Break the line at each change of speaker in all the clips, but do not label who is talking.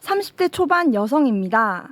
30대 초반 여성입니다.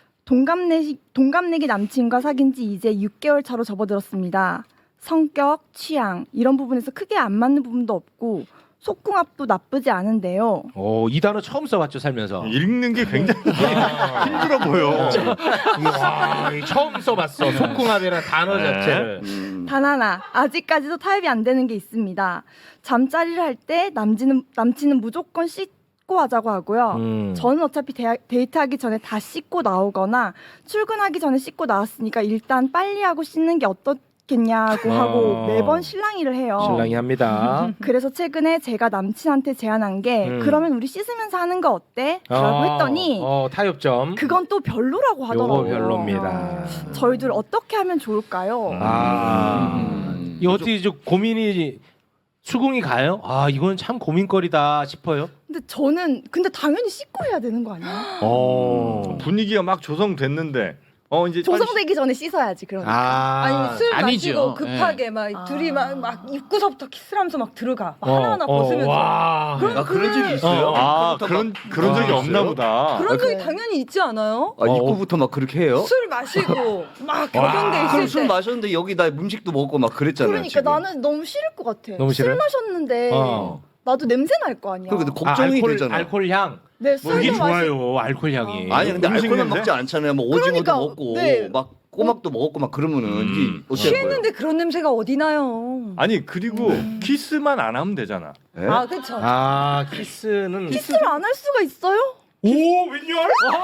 동갑내기 남친과 사귄 지 이제 6개월 차로 접어들었습니다. 성격, 취향 이런 부분에서 크게 안 맞는 부분도 없고 속궁합도 나쁘지 않은데요.
이 단어 처음 써봤죠 살면서.
읽는 게 굉장히 힘들어 보여.
와, 처음 써봤어. 속궁합이라는 단어
네.
자체를.
단 하나, 아직까지도 타협이 안 되는 게 있습니다. 잠자리를 할 때 남친은 무조건 씻고 하자고 하고요. 저는 어차피 데이트하기 전에 다 씻고 나오거나 출근하기 전에 씻고 나왔으니까 일단 빨리 하고 씻는 게 어떻겠냐고 하고 매번 실랑이를 해요.
신랑이 합니다.
그래서 최근에 제가 남친한테 제안한 게 그러면 우리 씻으면서 하는 거 어때? 라고 했더니
타협점.
그건 또 별로라고
요거
하더라고요.
별로입니다.
저희들 어떻게 하면 좋을까요?
이 어떻게 좀 고민이 수긍이 가요? 이건 참 고민거리다 싶어요.
근데 당연히 씻고 해야 되는 거 아니야?
분위기가 막 조성됐는데 이제
조성되기 전에 씻어야지 그러니까.
아니 술
아니죠.
마시고 급하게 막 둘이 막 입구서부터 키스하면서 막 들어가 막 하나하나
어,
벗으면서
와.
그런 적이 있어요?
그런 적이 없나 보다.
그런 적이 당연히 있지 않아요?
입구부터 막 그렇게 해요?
술 마시고 막 격양돼
그럼
있을
술
때
마셨는데 여기다 음식도 먹고 막 그랬잖아요.
그러니까
지금.
나는 너무 싫을 것 같아.
너무 싫어요?
술 마셨는데 나도 냄새 날 거 아니야.
근데 걱정이
알코올,
되잖아.
알코올 향.
네,
그게
술도 마시.
좋아요. 알코올 향이.
아니 근데
음식
알코올만
냄새?
먹지 않잖아요. 뭐 오징어도
그러니까,
먹고
네.
막 꼬막도 먹고 막 그러면은 이게 어때요?
취했는데 그런 냄새가 어디 나요?
아니 그리고 키스만 안 하면 되잖아.
예?
아 그렇죠.
키스는
키스를 안 할 수가 있어요?
오 웬열?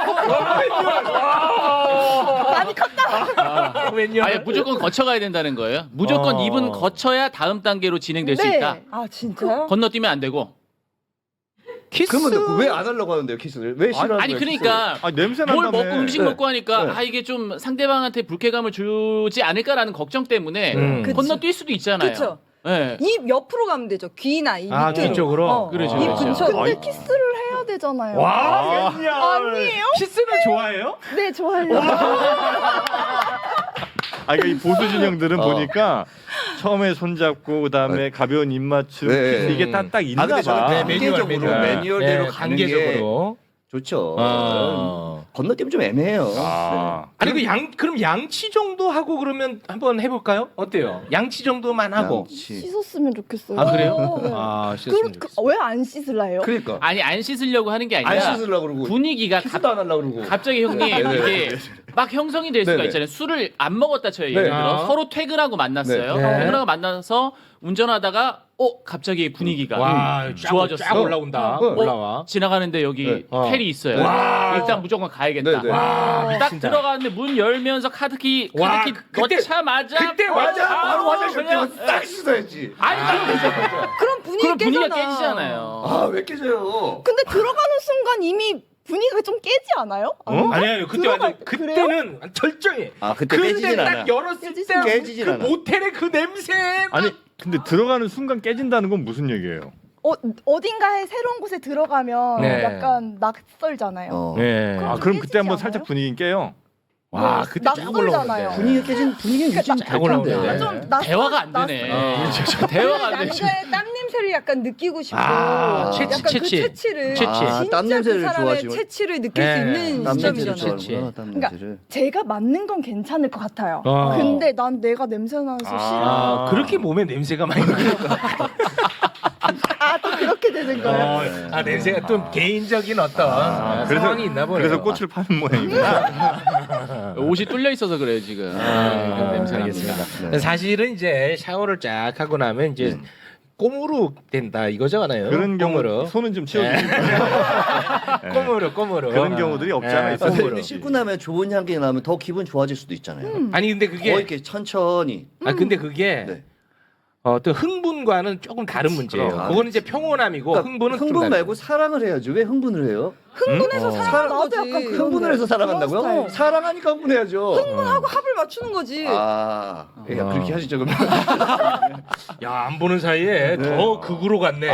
많이 컸다.
웬열?
아예 무조건 거쳐가야 된다는 거예요. 무조건 입은 거쳐야 다음 단계로 진행될 수
네.
있다.
아 진짜요?
건너뛰면 안 되고.
키스.
그러면 왜 안 하려고 하는데요 키스를? 왜 싫어하는
아니
거예요,
그러니까
냄새
뭘
난다며.
먹고 음식
네.
먹고 하니까
네.
이게 좀 상대방한테 불쾌감을 주지 않을까라는 걱정 때문에
그치.
건너뛸 수도 있잖아요.
그쵸.
네.
입 옆으로 가면 되죠. 귀나 이 밑으로.
귀 쪽으로?
그렇죠,
입
그렇죠.
근처.
근데
아이.
키스를 해야 되잖아요.
와,
아니에요?
키스는 좋아해요?
네, 좋아요.
그러니까 이 보수 진영들은
어.
보니까 처음에 손잡고 그다음에 가벼운 입맞춤
네.
키스 이게 딱 있나
아 근데
봐.
저는 단계적으로 매뉴얼대로
네,
가는 게
단계적으로.
좋죠.
아.
건너뛰면 좀 애매해요.
아니 그럼 양치 정도 하고 그러면 한번 해볼까요? 어때요? 양치 정도만 하고.
씻었으면 좋겠어요.
아 그래요?
네.
씻었으면 좋겠어.
왜 안 씻을라 해요?
그러니까
아니 안 씻으려고 하는 게
안
아니라
씻으려고 그러고
분위기가
키스도 안 하려고 그러고
갑자기 형님
네네.
이게 막 형성이 될 수가
네네.
있잖아요. 술을 안 먹었다 쳐요. 예를
네.
들어 서로 퇴근하고 만났어요.
네. 네.
퇴근하고 만나서 운전하다가 갑자기 분위기가
와,
좋아졌어.
쫙 올라온다. 올라와.
지나가는데 여기
네.
텔이 있어요.
와.
일단 무조건 가야겠다.
네네.
와,
딱
미친다.
들어가는데 문 열면서 카드키
와, 그때-
넣자마자
그때
맞아 바로 화장실
그냥
뛰어 딱 씻어야지.
아니
그럼 분위기
그럼 분위기가
깨잖아.
깨지잖아요.
아 왜 깨져요?
근데 들어가는 순간 이미 분위기가 좀 깨지 않아요?
아니요 그때 완전 그때는 절정해.
아 그때
근데
깨지진
딱
않아.
열었을 때
깨지진
그
않아.
모텔의 그 냄새.
아니 근데 들어가는 순간 깨진다는 건 무슨 얘기예요?
어딘가에 새로운 곳에 들어가면
네.
약간 낯설잖아요.
네.
그럼
그럼
깨지지
그때 한번
않아요?
살짝 분위기 깨요.
와
네,
그때 쫙
낯설잖아요.
올라오는데.
분위기는 유지는
쫙 올라오는데.
좀
대화가 안 되네. 대화가 안 되지.
남자의 땀 냄새를 약간 느끼고 싶고
채취,
약간 그
채취.
채취를
채취.
아,
진짜
땀 냄새를
그 사람의
좋아하시고.
채취를 느낄
네,
수 있는
땀 냄새를
시점이잖아요.
채취.
좋아하는구나, 땀
그러니까
냄새를.
제가 맞는 건 괜찮을 것 같아요. 근데 난 내가 냄새 나서 싫어.
그렇게 몸에 냄새가 많이 나요.
또 그렇게 되는 거예요.
냄새가 좀 개인적인 어떤 상황이 있나 보네요.
그래서 꽃을 파는 모양이구나.
옷이 뚫려 있어서 그래요 지금. 냄새 납니다.
네.
사실은 이제 샤워를 쫙 하고 나면 이제 꼬무룩 된다 이거잖아요.
그런 경우
꼬무룩.
손은 좀 치워주세요.
꼬무룩.
그런 경우들이 없지 않아 있어요.
근데
꼬무룩.
씻고 나면 좋은 향기 나면 더 기분 좋아질 수도 있잖아요.
아니 근데
거의
그게
이렇게 천천히.
근데 그게
네.
또 흥분과는 조금 다른 문제예요.
그럼.
그거는 이제 평온함이고
그러니까
흥분은 좀
흥분
다른
말고 사랑을 해야죠. 왜 흥분을 해요?
흥분해서 사랑하는
나도
거지.
약간 그런
흥분을 해서 사랑한다고요?
스타일.
사랑하니까 흥분해야죠.
흥분하고 합을 맞추는 거지.
아, 야, 그렇게 하시죠 그러면.
안 보는 사이에 더 극으로 갔네.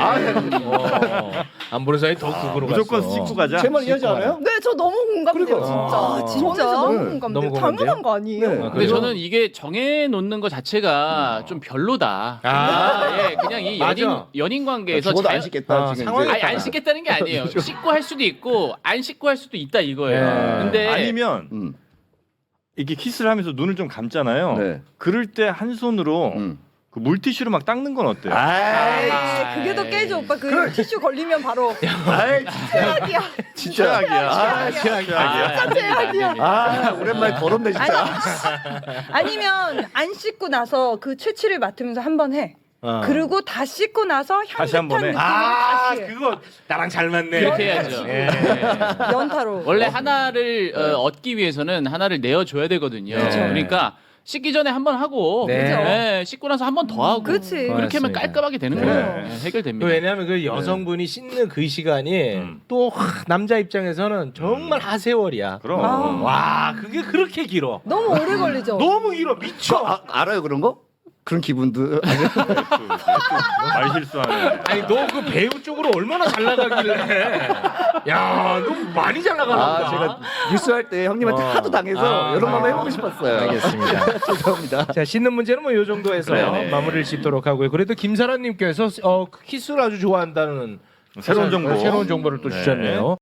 안 보는 사이에 더 극으로
무조건
갔어.
씻고 가자.
제 말 이해하지 않아요?
네, 저 너무 공감돼요,
그러니까.
진짜.
아, 진짜?
저는 너무
네.
공감돼요.
너무 공감돼요?
당연한 거 아니에요?
네.
근데
그래요?
저는 이게 정해 놓는 것 자체가 좀 별로다. 그냥 이
맞아.
연인 관계에서
죽어도 안 씻겠다 지금.
상황이
이제.
아니 안 씻겠다는 게 아니에요. 씻고 할 수도 있고 가지고 안 씻고 할 수도 있다 이거예요.
네.
근데
아니면
음.
이렇게 키스를 하면서 눈을 좀 감잖아요.
네.
그럴 때 한 손으로 그 물티슈로 막 닦는 건 어때요?
아, 그게 더 깨져 오빠. 그 티슈 걸리면 바로
아이
최악이야.
진짜. 아,
최악이야.
아, 오랜만에 더럽네 진짜.
아니면 안 씻고 나서 그 채취를 맡으면서 한 번 해. 그리고 다 씻고 나서
다시 한
향긋한
번 해.
느낌으로
아
다시 해.
그거 나랑 잘 맞네.
그렇게 해야죠.
예.
연타로.
원래 하나를 얻기 위해서는 하나를 내어줘야 되거든요.
그쵸.
그러니까 씻기 전에 한 번 하고
네.
네, 씻고 나서 한 번 더 하고
그치.
그렇게 하면
맞습니다.
깔끔하게 되는
네.
거예요. 네, 해결됩니다.
왜냐하면 그 여성분이 씻는 그 시간이 또 남자 입장에서는 정말 하세월이야.
그럼.
아.
와 그게 그렇게 길어.
너무 오래 걸리죠.
너무 길어 미쳐.
알아요 그런 거? 그런 기분도.
말 실수하네.
아니 너 그 배우 쪽으로 얼마나 잘 나가길래? 야, 너 많이 잘 나가나 보다.
아, 제가 뉴스 할 때 형님한테 하도 당해서 이런 거 한번 해보고 싶었어요.
알겠습니다.
죄송합니다.
자 씻는 문제는 뭐 요 정도에서
네네.
마무리를 짓도록 하고요. 그래도 김사라님께서 키스를 아주 좋아한다는
새로운 정보.
새로운 정보를 또
네.
주셨네요.